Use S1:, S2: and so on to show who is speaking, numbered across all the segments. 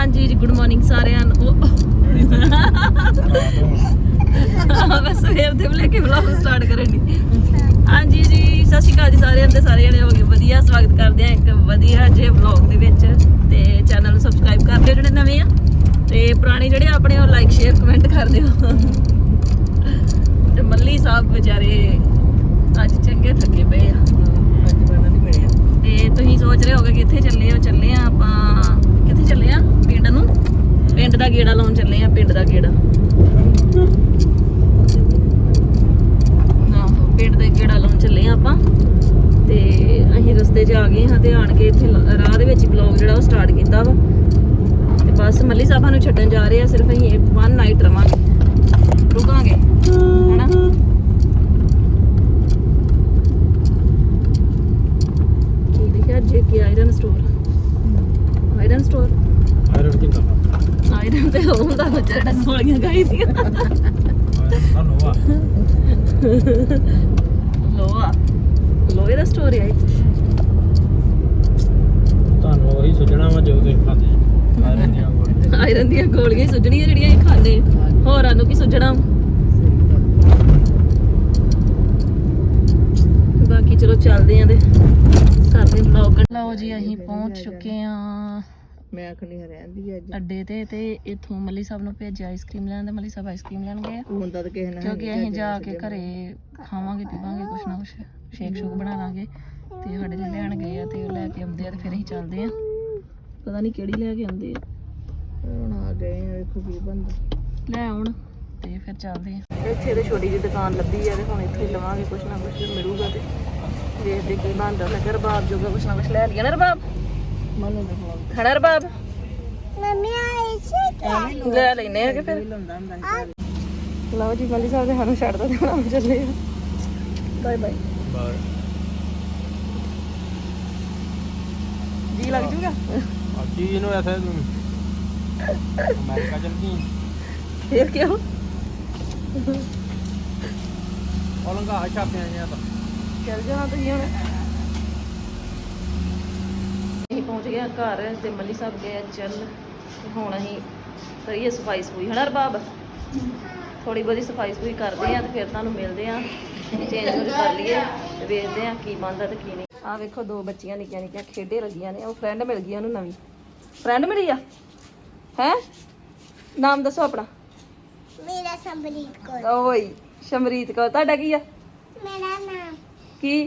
S1: ਹਾਂਜੀ ਜੀ good morning ਸਾਰਿਆਂ ਨੂੰ ਮੈਂ ਸਵੇਰ ਦੇ ਲੈ ਕੇ ਵਲੌਗ ਸਟਾਰਟ ਕਰਨ ਦੀ। ਹਾਂਜੀ ਜੀ ਸਤਿ ਸ਼੍ਰੀ ਅਕਾਲ ਜੀ ਸਾਰਿਆਂ ਦੇ ਸਾਰੇ ਜਣੇ ਹੋ ਗਏ ਵਧੀਆ। ਸਵਾਗਤ ਕਰਦੇ ਆ ਇੱਕ ਵਧੀਆ ਜਿਹੇ ਵਲੌਗ ਦੇ ਵਿੱਚ ਤੇ ਚੈਨਲ ਨੂੰ ਸਬਸਕ੍ਰਾਈਬ ਕਰ ਦਿਓ ਜਿਹੜੇ ਨਵੇਂ ਆ ਤੇ ਪੁਰਾਣੇ ਜਿਹੜੇ ਆਪਣੇ ਉਹ ਲਾਈਕ ਸ਼ੇਅਰ ਕਮੈਂਟ ਕਰ ਦਿਓ। ਤੇ ਮੱਲੀ ਸਾਹਿਬ ਵਿਚਾਰੇ ਅੱਜ ਚੰਗੇ ਥੱਕੇ ਪਏ ਆ ਤੇ ਤੁਸੀਂ ਸੋਚ ਰਹੇ ਹੋਗੇ ਕਿੱਥੇ ਚੱਲੇ ਹੋ। ਚੱਲੇ ਆ ਆਪਾਂ ਕਿੱਥੇ ਚੱਲੇ ਆ ਪਿੰਡ ਨੂੰ, ਪਿੰਡ ਦਾ ਗੇੜਾ ਲਾਉਣ ਚੱਲੇ ਆ। ਪਿੰਡ ਦਾ ਗੇੜਾ ਪਿੰਡ ਦਾ ਗੇੜਾ ਲਾਉਣ ਚੱਲੇ ਆ ਆਪਾਂ ਤੇ ਅਸੀਂ ਰਸਤੇ 'ਚ ਆ ਗਏ ਹਾਂ ਤੇ ਆਣ ਕੇ ਇੱਥੇ ਰਾਹ ਦੇ ਵਿੱਚ ਵਲੌਗ ਜਿਹੜਾ ਉਹ ਸਟਾਰਟ ਕੀਤਾ ਵਾ ਤੇ ਬਸ ਮੱਲੀ ਸਾਹਿਬਾਂ ਨੂੰ ਛੱਡਣ ਜਾ ਰਹੇ ਆ। ਸਿਰਫ ਅਸੀਂ 1 ਨਾਈਟ ਰਵਾਂਗੇ, ਰੁਕਾਂਗੇ ਹਨਾ। ਕੀ ਲਿਖਿਆ ਜੇ ਕਿ iron store, iron store,
S2: iron ਕਿੰਨਾ
S1: ਆਇਰਨ ਤੇ ਹੁੰਦਾ ਜਿਹੜਾ ਗੋਲੀਆਂ ਖਾਈ ਦੀਆਂ
S2: ਲੋਹਾ
S1: ਲੋਹਾ, ਲੋਹੇ ਦਾ ਸਟੋਰ ਹੈ।
S2: ਤੁਹਾਨੂੰ ਉਹੀ ਸੁਝਣਾ ਵਾ ਜੋ ਤੁਸੀਂ ਖਾਂਦੇ ਆਇਰਨ ਦੀਆਂ ਗੋਲੀਆਂ।
S1: ਆਇਰਨ ਦੀਆਂ ਗੋਲੀਆਂ ਸੁੱਜਣੀਆਂ ਜਿਹੜੀਆਂ ਇਹ ਖਾਂਦੇ, ਹੋਰਾਂ ਨੂੰ ਕੀ ਸੁੱਜਣਾ। ਬਾਕੀ ਚਲੋ ਚੱਲਦੇ ਆਂ ਤੇ ਕਰਦੇ ਵਲੌਗ। ਲਓ ਜੀ ਅਸੀਂ ਪਹੁੰਚ ਚੁੱਕੇ ਆਂ
S3: ਮੈਂ ਆਖਣੀ ਰਹਿੰਦੀ ਅੱਜ
S1: ਅੱਡੇ ਤੇ ਇੱਥੋਂ ਮੱਲੀ ਸਾਹਿਬ ਨੂੰ ਭੇਜਿਆ ਆਈਸਕ੍ਰੀਮ ਲੈਣ ਤੇ ਮੱਲੀ ਸਾਹਿਬ ਆਈਸਕ੍ਰੀਮ ਲੈਣ ਗਏ
S3: ਹੁੰਦਾ ਤਾਂ ਕਿਸੇ ਨਾਲ
S1: ਕਿਉਂਕਿ ਅਸੀਂ ਜਾ ਕੇ ਘਰੇ ਖਾਵਾਂਗੇ ਪੀਵਾਂਗੇ ਕੁਛ ਨਾ ਕੁਛ, ਸ਼ੇਕ ਸ਼ੂਕ ਬਣਾ ਲਾਂਗੇ ਤੇ ਸਾਡੇ ਲਈ ਲੈਣ ਗਏ ਆ ਤੇ ਉਹ ਲੈ ਕੇ ਆਉਂਦੇ ਆ ਤੇ ਫਿਰ ਅਸੀਂ ਚੱਲਦੇ ਆ। ਪਤਾ ਨਹੀਂ ਕਿਹੜੀ ਲੈ ਕੇ ਆਉਂਦੇ ਆ,
S3: ਹੁਣ ਆ ਗਏ ਆ। ਵੇਖੋ ਕੀ ਬੰਦਾ
S1: ਲੈ ਆਉਣ ਤੇ ਫਿਰ ਚੱਲਦੇ ਆ। ਇੱਥੇ ਤੇ ਛੋਟੀ ਜਿਹੀ ਦੁਕਾਨ ਲੱਭੀ ਆ ਤੇ ਹੁਣ ਇੱਥੇ ਹੀ ਲਵਾਂਗੇ ਕੁਛ ਨਾ ਕੁਛ ਮਿਲੂਗਾ ਤੇ ਵੇਖਦੇ ਕੀ ਬਣਦਾ। ਲੱਗਾ ਰਬਾਬ ਜੋਗਾ ਕੁਛ ਨਾ ਕੁਛ ਲੈ ਲਿਆ ਨਾ। ਰਬਾਬ
S3: ਮਨ ਦਾ
S1: ਖੜਾ ਰਬਾਬ
S3: ਮੰਮੀ ਆਈ ਸੀ
S1: ਲੈ ਲੈਨੇ ਆ ਕਿ ਫਿਰ।
S3: ਲਾਉਂਦਾ ਹੁੰਦਾ
S1: ਲਓ ਜੀ ਮੱਲੀ ਸਾਹਿਬ ਦੇ ਸਾਨੂੰ ਛੱਡ ਦੋ ਤੇ ਹੁਣ ਆਪ ਚੱਲੇ ਆ। Bye bye.
S2: ਬਾਹਰ
S1: ਜੀ ਲੱਗ ਜੂਗਾ
S2: ਅੱਜੀ ਇਹਨੂੰ ਐਸਾ ਅਮਰੀਕਾ ਚਲਦੀ
S1: ਇਹ ਕਿਉਂ
S2: ਔਲੰਗਾ ਛਾਪਿਆ ਜਾਂ ਤਾਂ
S1: ਚੱਲ ਜਾਣਾ ਤੁਸੀਂ ਹੁਣ। ਅਸੀਂ ਪਹੁੰਚ ਗਏ ਘਰ ਤੇ ਮੱਲੀ ਸਾਹਿਬ ਗਏ ਚੱਲ ਤੇ ਹੁਣ ਅਸੀਂ ਕਰੀਏ ਸਫਾਈ ਸਫੂਈ ਹਨਾ ਰਬਾਬ। ਥੋੜੀ ਬਹੁਤੀ ਸਫਾਈ ਸਫੂਈ ਕਰਦੇ ਆ ਤੇ ਫਿਰ ਤੁਹਾਨੂੰ ਮਿਲਦੇ ਆ। ਚੇਂਜ ਚੂੰਜ ਕਰ ਲਈਏ ਤੇ ਵੇਖਦੇ ਆ ਕੀ ਬਣਦਾ ਤੇ ਕੀ ਨਹੀਂ। ਆਹ ਵੇਖੋ ਦੋ ਬੱਚੀਆਂ ਨਿੱਕੀਆਂ ਨਿੱਕੀਆਂ ਖੇਡੇ ਲੱਗੀਆਂ ਨੇ। ਉਹ ਫਰੈਂਡ ਮਿਲ ਗਈ ਉਹਨੂੰ, ਨਵੀਂ ਫਰੈਂਡ ਮਿਲੀ ਆ। ਹੈ ਨਾਮ ਦੱਸੋ ਆਪਣਾ।
S3: ਮੇਰਾ ਸੰਬਰੀਤ ਕੌਰ।
S1: ਓਏ ਸ਼ਮਰੀਤ ਕੌਰ। ਤੁਹਾਡਾ ਕੀ ਆ?
S3: ਮੇਰਾ ਨਾਮ
S1: ਕੀ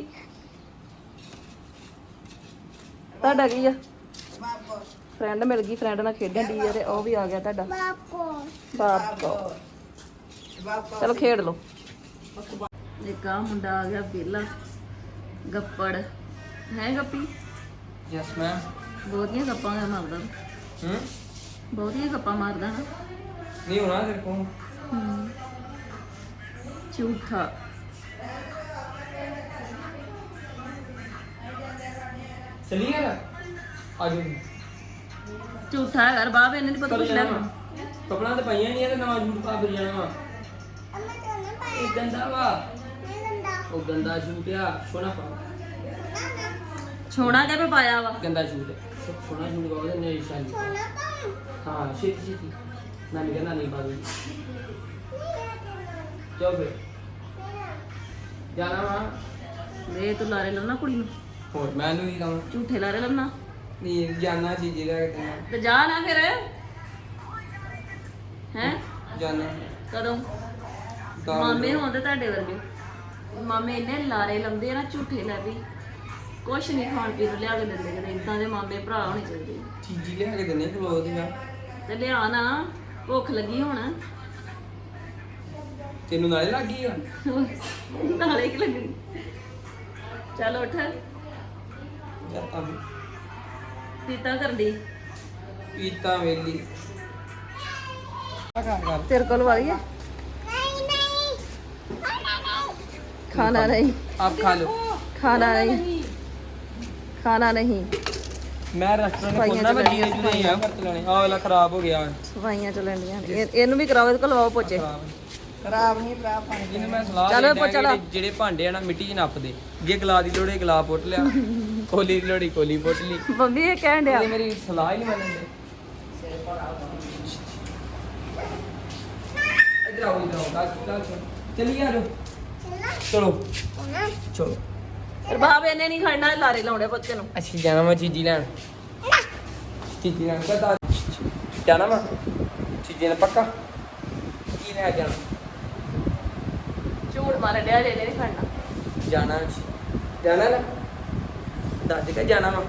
S1: ਤੁਹਾਡਾ ਕੀ ਆ? ਫਰੈਂਡ ਮਿਲ ਗਈ, ਫਰੈਂਡ ਨਾਲ ਖੇਡਣ ਦੀ ਆ ਤੇ ਉਹ ਵੀ ਆ ਗਿਆ ਤੁਹਾਡਾ ਬਾਪ ਕੋ। ਚਲੋ ਖੇਡ ਲਓ। ਇੱਕ ਆ ਮੁੰਡਾ ਆ ਗਿਆ ਵਿਹਲਾ ਗੱਪੜ ਹੈ। ਗੱਪੀ
S2: ਯੈਸ ਮੈਮ।
S1: ਬਹੁਤੀਆਂ ਗੱਪਾਂ ਮਾਰਦਾ, ਬਹੁਤੀਆਂ ਗੱਪਾਂ ਮਾਰਦਾ ਨਾ।
S2: ਨਹੀਂ ਹੋਣਾ ਤੇਰੇ ਕੋਲ
S1: ਝੂਠਾ
S2: ਚਲੀ ਗਿਆ ਆਜੋ।
S1: ਝੂਠਾ ਹੈ ਬਾਬ, ਇਹਨੇ ਨਹੀਂ ਪਤਾ ਕੁਛ ਲੈ
S2: ਕਪੜਾ ਤੇ ਪਾਈਆਂ ਨਹੀਂ ਤੇ ਨਵਾਂ ਜੂਟ ਪਾ ਕੇ ਜਾਣਾ ਵਾ। ਇਹ ਗੰਦਾ ਵਾ, ਉਹ ਗੰਦਾ ਜੂਟ ਆ। ਸੋਹਣਾ ਪਾ
S1: ਛੋਣਾ ਜਿਹਾ ਪਾਇਆ ਵਾ।
S2: ਗੰਦਾ ਜੂਟ ਸੋਹਣਾ ਜੂਟ ਪਾ ਉਹਦੇ ਨੇਈ ਸ਼ਾਨੀ। ਹਾਂ ਛੇਤੀ ਛੇਤੀ ਨਾਨੀ ਕਹਿੰਦਾ ਨਹੀਂ ਪਾ ਦੇ। ਚਲ ਫਿਰ ਜਾਣਾ ਵਾ।
S1: ਵੇ ਤੂੰ ਲਾਰੇ ਲਾਉਣਾ ਕੁੜੀ ਨੂੰ,
S2: ਹੋਰ ਮੈਨੂੰ ਕੀ ਕਹਾਂ।
S1: ਝੂਠੇ ਲਾਰੇ ਲਾਉਣਾ
S2: ਨਹੀਂ ਜਾਣਾ ਸੀ ਜਿਹੜਾ ਕਿਤੇ
S1: ਤੇ ਜਾ ਨਾ ਫਿਰ। ਹੈ
S2: ਜਾਣਾ
S1: ਕਦੋਂ? ਮਾਮੇ ਹੁੰਦੇ ਤੁਹਾਡੇ ਵਰਗੇ, ਮਾਮੇ ਇੰਨੇ ਲਾਰੇ ਲਾਉਂਦੇ ਆ ਨਾ ਝੂਠੇ ਲੈ ਵੀ ਕੁਛ ਨਹੀਂ ਖਾਣ ਪੀਣ ਨੂੰ ਲਿਆ ਕੇ ਦਿੰਦੇ ਕਿਤੇ। ਇਦਾਂ ਦੇ ਮਾਮੇ ਭਰਾ ਹੋਣੇ ਚਾਹੀਦੇ।
S2: ਚੀਜ਼ੀ ਲਿਆ ਕੇ ਦਿੰਦੇ ਖਲੋ ਦੀਆਂ
S1: ਤੇ ਲਿਆ ਨਾ, ਭੁੱਖ ਲੱਗੀ ਹੁਣ।
S2: ਤੈਨੂੰ ਨਾਲੇ ਲੱਗ ਗਈ ਆ।
S1: ਨਾਲੇ ਕੀ ਲੱਗਣੀ। ਚੱਲ ਉੱਠ।
S2: ਜਾਤਾ ਵੀ
S1: ਪੀਤਾ ਕਰਦੀ
S2: ਪੀਤਾ ਵੇਲੀ ਕਰ
S1: ਤੇਰੇ ਕੋਲ ਵਾਲੀ ਹੈ। ਖਾਣਾ ਨਹੀਂ,
S2: ਆਪ ਖਾ ਲਓ।
S1: ਖਾਣਾ ਨਹੀਂ, ਖਾਣਾ ਨਹੀਂ।
S2: ਮੈਂ ਰੈਸਟੋਰੈਂਟ
S1: ਸਫਾਈਆਂ
S2: ਖੋਲਣਾ ਮੈਂ
S1: ਚੱਲਣੀਆਂ,
S2: ਜੀਨੇ ਜੁਨੇ ਹੀ ਆ ਵਰਤ ਲੈਣੇ। ਆਹ ਵਾਲਾ ਖਰਾਬ ਹੋ ਗਿਆ।
S1: ਸਫਾਈਆਂ ਚੱਲਣੀਆਂ ਇਹਨੂੰ ਵੀ ਕਰਾਓ, ਇਹਦੇ ਕੋਲ ਲਵਾਓ ਪੋਚੇ।
S3: ਖਰਾਬ ਨਹੀਂ ਭਰਾ ਪਾਣੀ
S2: ਜਿਹਨੂੰ ਮੈਂ ਸਲਾਹ
S1: ਚੱਲ
S2: ਦਿੰਦਾ
S1: ਚੱਲ।
S2: ਕਿ ਜਿਹੜੇ ਭਾਂਡੇ ਆ ਨਾ ਮਿੱਟੀ 'ਚ ਨੱਪਦੇ। ਜੇ ਗਲਾ ਦੀ ਲੋੜੇ ਗਲਾ ਪੁੱਟ ਲਿਆ, ਕੋਲੀ ਦੀ ਲੋੜੀ ਕੋਲੀ ਪੁੱਟ ਲਈ।
S1: ਮੰਮੀ ਇਹ ਕਹਿਣ ਡਿਆ
S2: ਇਹ ਮੇਰੀ ਸਲਾਹ ਹੀ ਨਹੀਂ ਮੰਨਦੇ। इधर आओ चलिए आ जाओ चलो चलो
S1: ਰਬਾਬ ਇਹਨੇ ਨਹੀਂ ਖੜਨਾ ਲਾਰੇ ਲਾਉਣੇ ਬੱਚੇ ਨੂੰ
S2: ਅਸੀਂ ਜਾਣਾ ਵਾ ਚੀਜ਼ੀ ਲੈਣ ਕਹਤਾ ਜਾਣਾ ਵਾ ਚੀਜ਼ੀ ਨੇ ਪੱਕਾ ਕੀ ਲੈ ਜਾਣਾ
S1: ਝੂਠ ਮਾਰ ਡਿਆ ਜੇ ਇਹਨੇ ਨਹੀਂ ਖੜਨਾ
S2: ਜਾਣਾ ਜਾਣਾ ਨਾ ਦੱਸ ਕੇ ਜਾਣਾ ਵਾ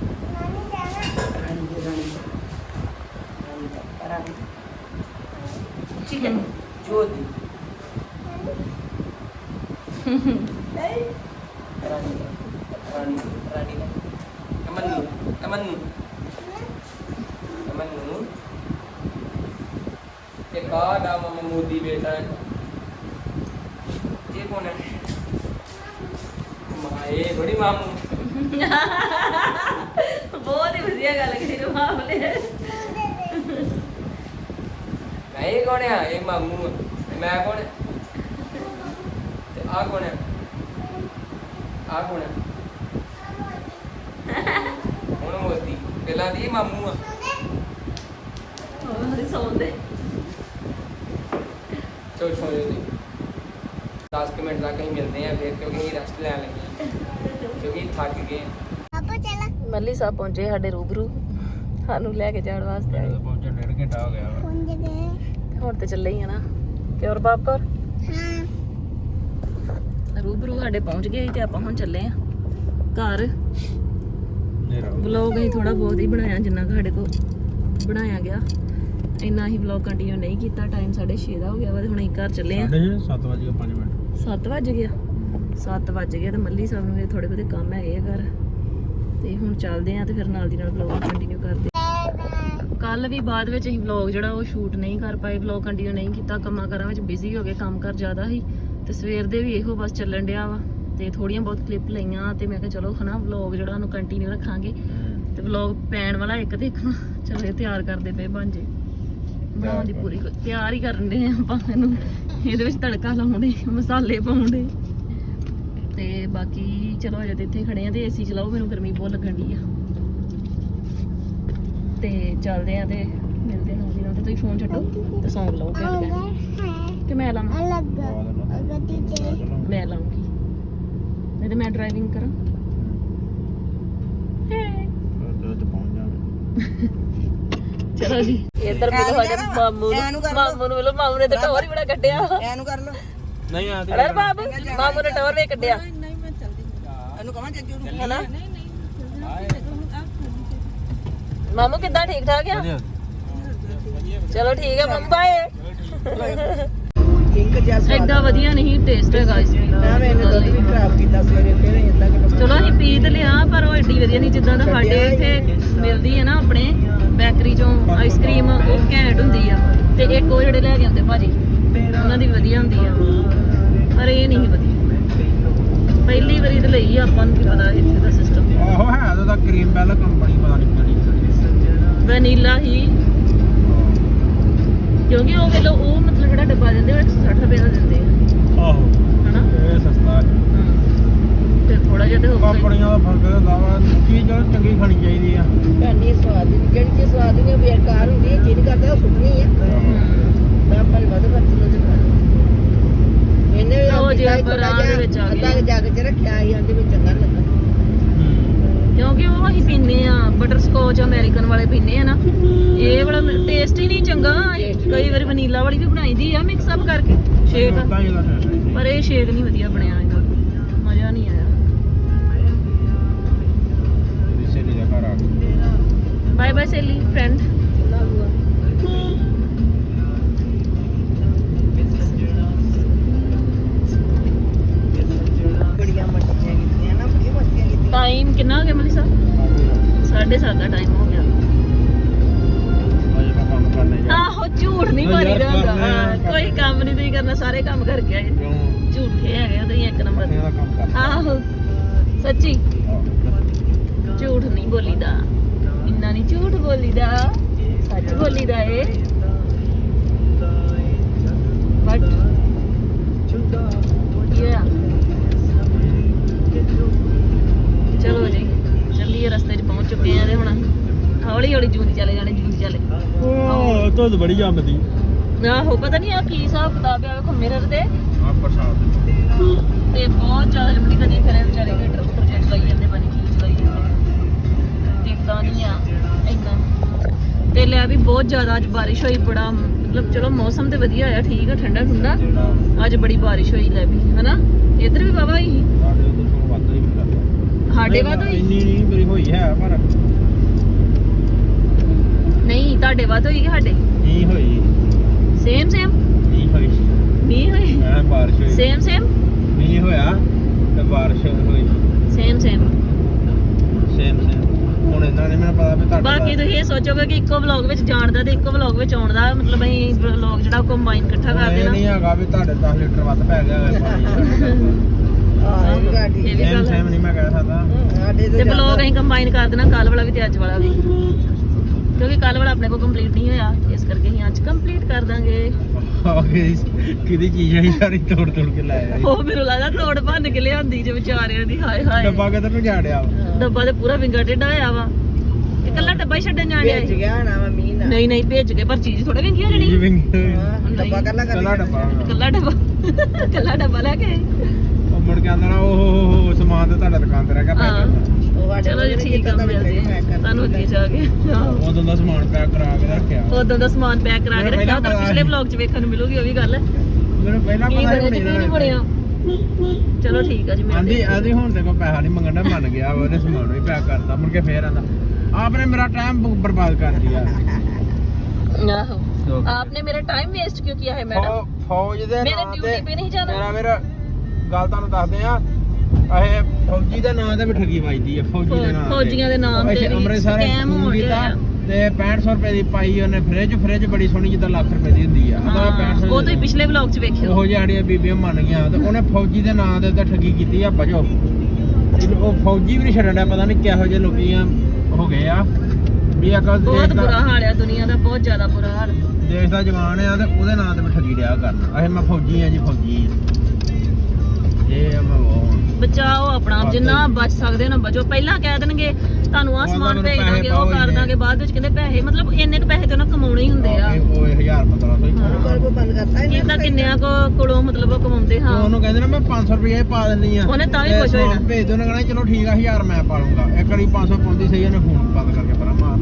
S1: ਚਿਕਨ
S2: ਜੋਦੀ ਰਾਣੀ ਅਮਨ ਇਹ ਕਾਦਾ ਮਮੂਦੀ ਬੇਟਾ ਇਹ ਕੌਣ ਹੈ ਮਾਏ ਬੜੀ ਮਾਮੂ
S1: ਬਹੁਤ ਹੀ ਵਧੀਆ ਗੱਲ ਕਰੀ ਰਬਾਬ ਨੇ
S2: ਇਹ ਕੌਣ ਹੈ ਇਹ ਮਾਮੂ ਮੈਂ ਕੌਣ ਹੈ ਤੇ ਆ ਕੌਣ ਹੈ ਆ ਕੌਣ ਹੈ ਹੁਣ ਮੋਦੀ ਪਹਿਲਾਂ ਦੀ ਮਾਮੂ ਆ
S1: ਉਹਦੀ ਸੌਂਦੇ
S2: ਚੋ ਸੋ ਜੀ 10 ਮਿੰਟ ਤੱਕ ਅਸੀਂ ਮਿਲਦੇ ਆ ਫਿਰ ਕਿਉਂਕਿ ਅਸੀਂ ਰੈਸਟ ਲੈਣ ਲੱਗੇ ਹਾਂ ਕਿਉਂਕਿ ਥੱਕ ਗਏ ਹਾਂ
S3: ਪਾਪਾ ਚਲਾ
S1: ਮੱਲੀ ਸਾਹਿਬ ਪਹੁੰਚੇ ਸਾਡੇ ਰੂਬਰੂ ਸਾਨੂੰ ਲੈ ਕੇ ਜਾਣ ਵਾਸਤੇ ਆਏ
S2: ਪਹੁੰਚਣ 1.5 ਘੰਟਾ ਹੋ ਗਿਆ
S3: ਫੋਨ ਦੇ ਦੇ
S1: ਹੁਣ ਤੇ ਚੱਲੇ ਹੀ ਆ ਨਾ ਕਿਉਂ ਬਾਪਰ
S3: ਹਾਂ
S1: ਰੂਬਰੂ ਸਾਡੇ ਪਹੁੰਚ ਗਏ ਸੀ ਤੇ ਆਪਾਂ ਹੁਣ ਚੱਲੇ ਆ ਘਰ ਵਲੌਗ ਅਸੀਂ ਥੋੜਾ ਬਹੁਤ ਹੀ ਬਣਾਇਆ ਜਿੰਨਾ ਕੁ ਸਾਡੇ ਕੋਲ ਬਣਾਇਆ ਗਿਆ ਇੰਨਾ ਹੀ ਵਲੌਗ ਕੰਟੀਨਿਊ ਨਹੀਂ ਕੀਤਾ ਟਾਈਮ 6:30 ਦਾ ਹੋ ਗਿਆ ਵਾ ਤੇ ਹੁਣ ਅਸੀਂ ਘਰ ਚੱਲੇ ਆ
S2: 7:05 ਮਿੰਟ
S1: 7 ਵਜ ਗਿਆ 7 ਵਜ ਗਏ ਤੇ ਮੱਲੀ ਸਾਹਿਬ ਨੂੰ ਵੀ ਥੋੜੇ ਬਹੁਤੇ ਕੰਮ ਹੈਗੇ ਆ ਘਰ ਤੇ ਹੁਣ ਚੱਲਦੇ ਆ ਤੇ ਫਿਰ ਨਾਲ ਦੀ ਨਾਲ ਵਲੌਗ ਕੰਟੀਨਿਊ ਕਰਦੇ ਕੱਲ ਵੀ ਬਾਅਦ ਵਿੱਚ ਅਸੀਂ ਵਲੌਗ ਜਿਹੜਾ ਉਹ ਸ਼ੂਟ ਨਹੀਂ ਕਰ ਪਾਏ ਵਲੌਗ ਕੰਟੀਨਿਊ ਨਹੀਂ ਕੀਤਾ ਕੰਮਾਂ ਕਾਰਾਂ ਵਿੱਚ ਬਿਜ਼ੀ ਹੋ ਗਏ ਕੰਮ ਕਰ ਜ਼ਿਆਦਾ ਸੀ ਤੇ ਸਵੇਰ ਦੇ ਵੀ ਇਹੋ ਬਸ ਚੱਲਣ ਡਿਆ ਵਾ ਤੇ ਥੋੜੀਆਂ ਬਹੁਤ ਕਲਿੱਪ ਲਈਆਂ ਤੇ ਮੈਂ ਕਿਹਾ ਚਲੋ ਹਨਾ ਵਲੌਗ ਜਿਹੜਾ ਉਹਨੂੰ ਕੰਟੀਨਿਊ ਰੱਖਾਂਗੇ ਤੇ ਵਲੌਗ ਪੈਣ ਵਾਲਾ ਇੱਕ ਦੇਖਣਾ ਚਲੋ ਇਹ ਤਿਆਰ ਕਰਦੇ ਪਏ ਭਾਂਜੇ ਬਣਾਉਣ ਦੀ ਪੂਰੀ ਤਿਆਰ ਹੀ ਕਰਨ ਦੇ ਆਪਾਂ ਇਹਨੂੰ ਇਹਦੇ ਵਿੱਚ ਤੜਕਾ ਲਾਉਣੇ ਮਸਾਲੇ ਪਾਉਣੇ ਤੇ ਬਾਕੀ ਚਲੋ ਅਜੇ ਤੇ ਇੱਥੇ ਖੜੇ ਆ ਤੇ ਏਸੀ ਚਲਾਓ ਮੈਨੂੰ ਗਰਮੀ ਬਹੁਤ ਲੱਗਣ ਦੀ ਆ ਤੇ ਚੱਲਦੇ ਆ ਤੇ ਮਿਲਦੇ ਨਾਲ ਦੀ ਨਾਲ ਤੇ ਤੁਸੀਂ ਫੋਨ ਛੱਡੋ ਤੇ ਸੌਂਗ ਲਾਓ ਘੰਟ ਕਿ ਮੈਂ ਲਾਵਾਂ
S3: ਅਲੱਗ ਗੱਡੀ ਤੇ
S1: ਮੈਂ ਲਾਉਂਗੀ ਨਹੀਂ ਤੇ ਮੈਂ ਡਰਾਈਵਿੰਗ ਕਰਾਂ ਚਲੋ ਜੀ ਇੱਧਰ ਮਿਲੋ ਸਾਡੇ ਮਾਮੂ ਨੂੰ ਮਿਲੋ ਮਾਮੂ ਨੇ ਤਾਂ ਟੌਰ ਹੀ ਬੜਾ ਕੱਢਿਆ
S3: ਐਨੂੰ ਕਰ ਲੋ
S2: ਨਹੀਂ ਆ
S1: ਅਰੇ ਬਾਬੂ ਮਾਮੂ ਨੇ ਟੌਰ ਵੀ ਕੱਢਿਆ
S3: ਨਹੀਂ ਮੈਂ ਚੱਲਦੀ ਇਹਨੂੰ ਕਹਾਂ ਜੱਜੂ ਨੂੰ
S1: ਹੈਨਾ ਮਾਮੂ ਕਿੱਦਾਂ ਠੀਕ ਠਾਕ ਆ ਚਲੋ ਠੀਕ ਹੈ ਮੰਮਾ ਬਾਏ
S3: ਕਿੰਗ ਜੈਸਾ
S1: ਐਡਾ ਵਧੀਆ ਨਹੀਂ ਟੇਸਟ ਹੈਗਾ ਇਸ ਦਾ
S3: ਮੈਨੇ ਦੁੱਧ ਵੀ ਖਰਾਬ ਕੀਤਾ ਸਵੇਰੇ ਫਿਰ ਇੰਦਾ ਕਿ
S1: ਚਲੋ ਅਸੀਂ ਪੀ ਤੇ ਲਿਆ ਪਰ ਉਹ ਐਡੀ ਵਧੀਆ ਨਹੀਂ ਜਿੱਦਾਂ ਦਾ ਸਾਡੇ ਇੱਥੇ ਮਿਲਦੀ ਹੈ ਨਾ ਆਪਣੇ ਬੇਕਰੀ ਚੋਂ ਆਈਸਕ੍ਰੀਮ ਉਹ ਘੈਂਟ ਹੁੰਦੀ ਆ ਤੇ ਇੱਕ ਉਹ ਜਿਹੜੇ ਲੈ ਕੇ ਆਉਂਦੇ ਭਾਜੀ ਉਹਨਾਂ ਦੀ ਵਧੀਆ ਹੁੰਦੀ ਆ ਪਰ ਇਹ ਨਹੀਂ ਵਧੀਆ ਪਹਿਲੀ ਵਾਰੀ ਤੇ ਲਈ ਆਪਾਂ ਨੂੰ ਕੀ ਪਤਾ ਇੱਥੇ ਦਾ ਸਿਸਟਮ
S2: ਆਹੋ ਹੈ ਉਹਦਾ ਕਰੀਮ ਬੈਲ ਕੰਪਨੀ ਪਤਾ ਨਹੀਂ ਕਿਹੜੀ
S1: ਵਨੀਲਾ ਹੀ ਕਿਉਂਕਿ ਉਹ ਵੇਲੋ ਉਹ ਮਤਲਬ ਜਿਹੜਾ ਡੱਬਾ ਦਿੰਦੇ ਉਹ 160 ਰੁਪਏ ਦਾ ਦਿੰਦੇ ਆ
S2: ਆਹੋ
S1: ਹਨਾ
S2: ਇਹ ਸਸਤਾ ਹੈ
S1: ਤੇ ਥੋੜਾ ਜਿਹਾ ਤੇ ਹੋਊਗਾ
S2: ਕੰਪਨੀਆਂ ਦਾ ਫਰਕ ਹੁੰਦਾ ਵਾ ਚੀਜ਼ ਜਿਹੜੀ ਚੰਗੀ ਖਾਣੀ ਚਾਹੀਦੀ ਆ
S3: ਕਰਨੀ ਸਵਾਦ ਨਹੀਂ ਜਿਹੜੀ ਚੀਜ਼ ਸਵਾਦ ਨਹੀਂ ਬੇਕਾਰ ਹੁੰਦੀ ਹੈ ਜਿਹੜੀ ਕਰਦਾ ਉਹ ਸੁੱਟਣੀ ਹੈ ਮੈਂ ਆਪਾਂ ਨੂੰ ਵੱਧ ਖਰਚ ਲੋ ਤੇ ਇਹਨੇ
S1: ਉਹ ਜੇ ਆਪਾਂ ਰਾਹ ਦੇ ਵਿੱਚ ਆ ਗਏ
S3: ਅੱਧਾ ਜੱਗ ਚ ਰੱਖਿਆ ਸੀ ਉਹਦੇ ਵਿੱਚ ਚੰਗਾ ਲੱਗਾ
S1: ਕਿਉਂਕਿ ਉਹ ਅਸੀਂ ਪੀਨੇ ਆ ਬਟਰ ਸਕੋਚ ਅਮਰੀਕਨ ਵਾਲੇ ਪੀਨੇ ਆ ਨਾ ਇਹ ਵਾਲਾ ਟੇਸਟ ਹੀ ਨਹੀਂ ਚੰਗਾ ਕਈ ਵਾਰੀ ਵਨੀਲਾ ਵਾਲੀ ਵੀ ਬਣਾਈਦੀ ਆ ਮਿਕਸ ਅਪ ਕਰਕੇ ਸ਼ੇਕ ਪਰ ਇਹ ਸ਼ੇਕ ਨਹੀਂ ਵਧੀਆ ਬਣਿਆ ਇਹਦਾ ਮਜ਼ਾ ਨਹੀਂ ਆਇਆ ਬਾਏ ਬਾਏ ਸੇਲੀ ਫਰੈਂਡ
S3: ਬੜੀਆਂ ਮੱਛੀਆਂ ਕੀਤੀਆਂ ਨਾ ਬੜੀਆਂ ਮੱਛੀਆਂ ਕੀਤੀਆਂ
S1: ਟਾਈਮ ਕਿੰਨਾ ਹੋ ਗਿਆ ਮਲੀ ਸਾਹਿਬ 7:30 ਦਾ ਟਾਈਮ ਹੋ ਗਿਆ ਆਹੋ ਝੂਠ ਨਹੀਂ ਮਾਰੀਦਾ ਹੁੰਦਾ ਕੋਈ ਕੰਮ ਨਹੀਂ ਤੁਸੀਂ ਕਰਨਾ ਸਾਰੇ ਕੰਮ ਕਰਕੇ ਆਏ ਝੂਠੇ ਹੈਗੇ ਤੁਸੀਂ ਇੱਕ ਨੰਬਰ ਆਹੋ ਸੱਚੀ ਝੂਠ ਨਹੀਂ ਬੋਲੀਦਾ ਇੰਨਾ ਨਹੀਂ ਝੂਠ ਬੋਲੀਦਾ ਸੱਚ ਬੋਲੀਦਾ ਏ ਬਟ ਚਲੋ ਜੀ ਚੱਲੀਏ ਰਸਤੇ 'ਚ ਪਹੁੰਚ ਚੁੱਕੇ ਆ ਤੇ ਹੁਣ ਹੌਲੀ ਹੌਲੀ ਜੂਨ ਚਲੇ ਜਾਣੇ ਜੂਨ ਚਲੇ
S4: ਉਹ ਧੁੰਦ ਬੜੀ ਜੰਮਦੀ
S1: ਆਹੋ ਪਤਾ ਨਹੀਂ ਆ ਕੀ ਹਿਸਾਬ ਕਿਤਾਬ ਆ ਵੇਖੋ ਮਿਰਰ ਦੇ
S4: ਆ ਪ੍ਰਸਾਦ
S1: ਤੇ ਬਹੁਤ ਜ਼ਿਆਦਾ ਜਮੜੀ ਕਦੀ ਫਿਰ ਵਿਚਾਰੇ ਹੀਟਰ ਉੱਪਰ ਜੇ ਚਲਾਈ ਜਾਂਦੇ ਬਣੀ ਕੀ ਚਲਾਈ ਜਾਂਦੇ ਦਿਖਦਾ ਨਹੀਂ ਆ ਇੰਨਾ ਤੇ ਲੈ ਵੀ ਬਹੁਤ ਜ਼ਿਆਦਾ ਅੱਜ ਬਾਰਿਸ਼ ਹੋਈ ਬੜਾ ਮਤਲਬ ਚਲੋ ਮੌਸਮ ਤੇ ਵਧੀਆ ਆ ਠੀਕ ਆ ਠੰਡਾ ਠੰਡਾ ਅੱਜ ਬੜੀ ਬਾਰਿਸ਼ ਹੋਈ ਲੈ ਵੀ ਹਨਾ ਇੱਧਰ ਵੀ ਬਾਬਾ ਹੀ
S4: ਸਾਡੇ ਉਧਰ ਤੋਂ ਵੱਧ ਹੀ ਮਿਲਦਾ
S1: ਸਾਡੇ ਵੱਧ ਹੋਈ
S4: ਇੰਨੀ ਨਹੀਂ ਮੇਰੀ ਹੋਈ ਹੈ ਪਰ
S1: ਨਹੀਂ ਤੁਹਾਡੇ ਵੱਧ ਹੋਈ ਕਿ ਸਾਡੇ
S4: ਨਹੀਂ ਹੋਈ
S1: ਸੇਮ
S4: ਨਹੀਂ ਹੋਈ
S1: ਨਹੀਂ ਹੋਈ
S4: ਐ ਬਾਰਿਸ਼ ਹੋਈ
S1: ਸੇਮ
S4: ਨਹੀਂ ਹੋਇਆ ਤੇ ਬਾਰਿਸ਼ ਹੋਈ
S1: ਸੇਮ
S4: ਸੇਮ ਹੁਣ ਇਹਨਾਂ ਨੇ ਮੈਨੂੰ ਪਤਾ ਵੀ ਤੁਹਾਡੇ
S1: ਬਾਕੀ ਤੁਸੀਂ ਇਹ ਸੋਚੋਗੇ ਕਿ ਇੱਕੋ ਵਲੌਗ ਵਿੱਚ ਜਾਣ ਦਾ ਤੇ ਇੱਕੋ ਵਲੌਗ ਵਿੱਚ ਆਉਣ ਦਾ ਮਤਲਬ ਅਸੀਂ ਵਲੌਗ ਜਿਹੜਾ ਕੰਬਾਈਨ ਇਕੱਠਾ ਕਰ
S4: ਇਹ
S1: ਦੇਣਾ
S4: ਨਹੀਂ ਹੈਗਾ ਵੀ ਤੁਹਾਡੇ 10 ਲੀਟਰ ਵੱਧ ਪੈ ਗਿਆ ਹੋਵੇ ਪਾਣੀ
S3: ਆਹ ਇਹ ਗੱਲ ਠੀਕ
S1: ਇਹ ਵੀ
S4: ਸੇਮ
S1: ਗੱਲ
S4: ਸੇਮ ਨਹੀਂ ਮੈਂ ਕਹਿ ਸਕਦਾ
S3: ਸਾਡੇ
S1: ਤੇ ਵਲੌਗ ਅਸੀਂ ਕੰਬਾਈਨ ਕਰ ਦੇਣਾ ਕੱਲ ਵਾਲਾ ਵੀ ਤੇ ਅੱਜ ਵਾਲਾ ਵੀ ਕਿਉਂਕਿ ਕੱਲ ਵਾਲਾ ਆਪਣੇ ਕੋਲ ਕੰਪਲੀਟ ਨਹੀਂ ਹੋਇਆ ਇਸ ਕਰਕੇ ਅਸੀਂ ਅੱਜ ਕੰਪਲੀਟ ਕਰ ਦਾਂਗੇ
S4: ਕਿਹਦੀ ਚੀਜ਼ ਹੈ ਸਾਰੀ ਤੋੜ ਕੇ ਲਾਇਆ
S1: ਉਹ ਮੈਨੂੰ ਲੱਗਦਾ ਤੋੜ ਭੰਨ ਕੇ ਲਿਆਂਦੀ ਜੇ ਵਿਚਾਰਿਆਂ ਦੀ ਹਾਏ ਹਾਏ
S4: ਡੱਬਾ ਕਿੱਧਰ ਨੂੰ ਜਾੜਿਆ
S1: ਡੱਬਾ ਤੇ ਪੂਰਾ ਵਿੰਗਾ ਟੇਡਾ ਹੋਇਆ ਵਾ ਇਹ ਕੱਲਾ ਡੱਬਾ ਹੀ ਛੱਡਣ ਜਾਣਿਆ
S3: ਭੇਜ ਗਿਆ ਨਾ ਮਮੀ ਨਾ
S1: ਨਹੀਂ ਨਹੀਂ ਭੇਜ ਕੇ ਪਰ ਚੀਜ਼ ਥੋੜਾ ਵਿੰਗੀ ਹੋ ਜਾਣੀ
S3: ਹਾਂ, ਡੱਬਾ ਕੱਲਾ
S4: ਕੱਲਾ ਡੱਬਾ
S1: ਕੱਲਾ ਡੱਬਾ ਲੈ ਕੇ ਆਏ।
S4: ਉਹ ਮੁੜ ਕੇ ਆਂਦਾ ਨਾ ਉਹ ਸਮਾਨ ਤੇ ਤੁਹਾਡਾ ਦੁਕਾਨ ਤੇ ਰਹਿ ਗਿਆ
S1: ਹਾਂ।
S3: ਉਹ ਸਾਡੇ
S1: ਚਲੋ ਜੀ ਠੀਕ ਆ ਮਿਲਦੇ ਆ ਤੁਹਾਨੂੰ ਅੱਗੇ ਜਾ ਕੇ
S4: ਉਦੋਂ ਦਾ ਸਮਾਨ ਪੈਕ ਕਰਾ ਕੇ ਰੱਖਿਆ
S1: ਉਦੋਂ ਦਾ ਸਮਾਨ ਪੈਕ ਕਰਾ ਕੇ ਰੱਖਿਆ ਤਾਂ ਪਿਛਲੇ ਵਲੌਗ 'ਚ ਵੇਖਣ ਨੂੰ ਮਿਲੂਗੀ ਉਹ ਵੀ ਗੱਲ
S4: ਮੈਨੂੰ ਪਹਿਲਾਂ
S1: ਕੀ
S4: ਪਤਾ
S1: ਬਣਿਆ ਜੀ ਕੀ ਨਹੀਂ ਬਣਿਆ ਚਲੋ ਠੀਕ ਆ ਜੀ ਮਿਲਦੇ
S4: ਆਂਦੀ ਹੁਣ ਤੇ ਕੋਈ ਪੈਸਾ ਨਹੀਂ ਮੰਗਣਾ ਮੰਨ ਗਿਆ ਉਹਨੇ ਸਮਾਨ ਵੀ ਪੈਕ ਕਰਤਾ ਮੁੜ ਕੇ ਫੇਰ ਆਂਦਾ ਆਪਨੇ ਮੇਰਾ ਟਾਈਮ ਬਰਬਾਦ ਕਰ ਦਿਆ
S1: ਆਹੋ आपने मेरा टाइम वेस्ट क्यों किया है मैडम
S4: ਫੌਜ ਦੇ
S1: मेरे
S4: ਨਾਂ
S1: ड्यूटी पे नहीं जाना
S4: ਮੇਰਾ ਗੱਲ ਤੁਹਾਨੂੰ ਦੱਸਦੇ ਆ ਇਹ ਫੌਜੀ ਦਾ ਨਾਂ ਤੇ ਵੀ ਠੱਗੀ ਵੱਜਦੀ ਆ ਫੌਜੀ ਦੇ ਨਾਂ ਤੇ
S1: ਫੌਜੀਆਂ ਦੇ ਨਾਮ ਤੇ ਵੀ
S4: ਅੰਮ੍ਰਿਤਸਰ
S1: ਸਕੈਮ ਹੋ
S4: ਕੀਤਾ
S1: ਰਿਹਾ
S4: ਤੇ 6500 ਰੁਪਏ ਦੀ ਪਾਈ ਉਹਨੇ ਫ੍ਰਿਜ ਬੜੀ ਸੋਹਣੀ ਜਿੱਦਾਂ ਲੱਖ ਰੁਪਏ ਦੀ ਹੁੰਦੀ ਆ
S1: ਹਾਂ, ਉਹ ਤੁਸੀਂ ਪਿਛਲੇ ਵਲੌਗ 'ਚ ਵੇਖਿਓ
S4: ਉਹ ਜਿਹੜੀਆਂ ਬੀਬੀਆਂ ਮੰਨ ਗਈਆਂ ਤੇ ਉਹਨੇ ਫੌਜੀ ਦੇ ਨਾਂ ਦੇ ਉੱਤੇ ਠੱਗੀ ਕੀਤੀ ਆ ਬਜੋ ਉਹ ਫੌਜੀ ਵੀ ਨਹੀਂ ਛੱਡਣ ਡਿਆ ਪਤਾ ਨਹੀਂ ਕਿਹੋ ਜਿਹੇ ਲੋਕੀ ਆ ਹੋ ਗਏ ਆ ਵੀ ਅਕਲ
S1: ਬਹੁਤ ਬੁਰਾ ਹਾਲ ਆ ਦੁਨੀਆ ਦਾ ਬਹੁਤ ਜ਼ਿਆਦਾ ਬੁਰਾ ਹਾਲ
S4: ਦੇਸ਼ ਦਾ ਜਵਾਨ ਆ ਤੇ ਉਹਦੇ ਨਾਂ ਤੇ ਵੀ ਠੱਗੀ ਰਿਹਾ ਕਰਨਾ ਇਹ ਮੈਂ ਫੌਜੀ ਆ ਜੀ ਫੌਜੀ ਇਹ ਮੈਂ
S1: ਬਚਾਓ ਆਪਣਾ ਆਪ, ਜਿੰਨਾ ਬਚ ਸਕਦੇ ਹੋ ਨਾ ਬਚੋ ਪਹਿਲਾਂ ਕਹਿ ਦੇਣਗੇ ਤੁਹਾਨੂੰ ਆਹ ਸਮਾਨ ਭੇਜ ਦਾਂਗੇ ਉਹ ਕਰ ਦਾਂਗੇ ਬਾਅਦ ਵਿੱਚ ਕਹਿੰਦੇ ਪੈਸੇ ਮਤਲਬ ਇੰਨੇ ਕੁ ਪੈਸੇ ਤੇ ਉਹਨਾਂ ਕਮਾਉਣੇ ਹੀ ਹੁੰਦੇ ਆ
S4: ਉਹ 1000-1500
S3: ਕੋਲ ਕੋ ਬੰਦ ਕਰਤਾ ਇਹਨੇ
S1: ਕਿੰਨਾ ਕਿੰਨਿਆਂ ਕੋਲੋਂ ਮਤਲਬ ਉਹ ਕਮਾਉਂਦੇ ਹਾਂ
S4: ਉਹਨੂੰ ਕਹਿੰਦੇ ਨਾ ਮੈਂ 500 ਰੁਪਏ ਪਾ ਦਿੰਨੀ ਆ
S1: ਉਹਨੇ ਤਾਂ ਵੀ ਖੁਸ਼ ਹੋ ਜਾਣਾ।
S4: ਭੇਜ ਦੋ ਉਹਨੇ ਕਹਿਣਾ ਚਲੋ ਠੀਕ ਆ 1000 ਮੈਂ ਪਾ ਲੂੰਗਾ ਇੱਕ ਵਾਰੀ 500 ਪਾਉਂਦੀ ਸਹੀ ਉਹਨੇ ਫੋਨ ਬੰਦ ਕਰਕੇ ਪਰਾਂ ਮਾਰ